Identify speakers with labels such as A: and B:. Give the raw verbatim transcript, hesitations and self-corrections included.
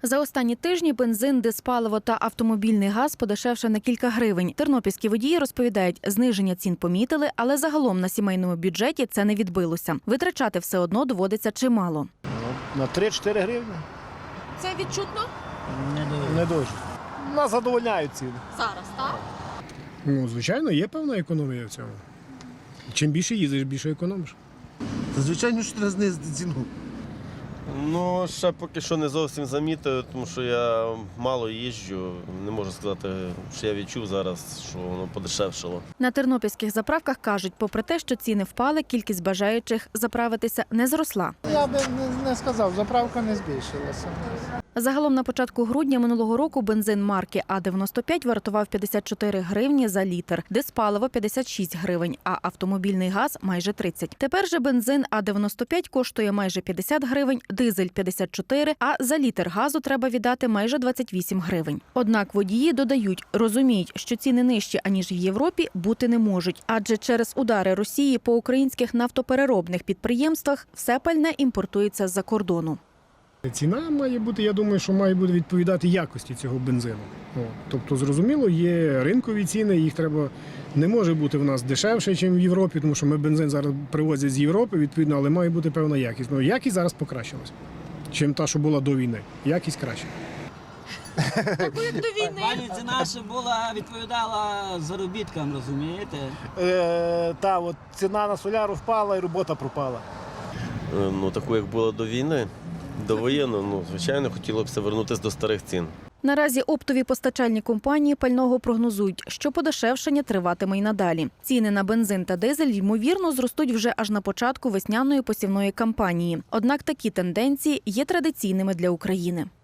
A: За останні тижні бензин, диспаливо та автомобільний газ подешевше на кілька гривень. Тернопільські водії розповідають, зниження цін помітили, але загалом на сімейному бюджеті це не відбилося. Витрачати все одно доводиться чимало.
B: На три-чотири гривні.
C: Це відчутно
D: Не дуже.
B: Не дуже. Нас задовольняють ціни.
C: зараз, так?
E: Ну, звичайно, є певна економія в цьому. Чим більше їздиш, більше економиш.
F: Та, звичайно, що треба знизити ціну.
G: Ну, ще поки що не зовсім замітив, тому що я мало їжджу. Не можу сказати, що я відчув зараз, що воно подешевшало.
A: На тернопільських заправках кажуть, попри те, що ціни впали, кількість бажаючих заправитися не зросла.
B: Я би не, не сказав, заправка не збільшилася.
A: Загалом на початку грудня минулого року бензин марки А дев'яносто п'ять вартував п'ятдесят чотири гривні за літр, диспаливо – п'ятдесят шість гривень, а автомобільний газ – майже тридцять. Тепер же бензин А дев'яносто п'ять коштує майже п'ятдесят гривень, дизель – п'ятдесят чотири, а за літр газу треба віддати майже двадцять вісім гривень. Однак водії додають, розуміють, що ціни нижчі, аніж в Європі, бути не можуть. Адже через удари Росії по українських нафтопереробних підприємствах все пальне імпортується з-за кордону.
E: Ціна має бути, я думаю, що має бути відповідати якості цього бензину. О, тобто, зрозуміло, є ринкові ціни, їх треба, не може бути в нас дешевше, ніж в Європі, тому що ми бензин зараз привозять з Європи, відповідно, але має бути певна якість. Ну, якість зараз покращилась, чим та, що була до війни. Якість краще.
C: Таку як до війни.
D: Пані ціна ще була, відповідала заробіткам, розумієте?
B: Е, та, от ціна на соляру впала і робота пропала.
G: Е, Ну, таку, як було до війни, до воєнного, ну, звичайно, хотіло б все вернутися до старих цін.
A: Наразі оптові постачальні компанії пального прогнозують, що подешевшення триватиме й надалі. Ціни на бензин та дизель, ймовірно, зростуть вже аж на початку весняної посівної кампанії. Однак такі тенденції є традиційними для України.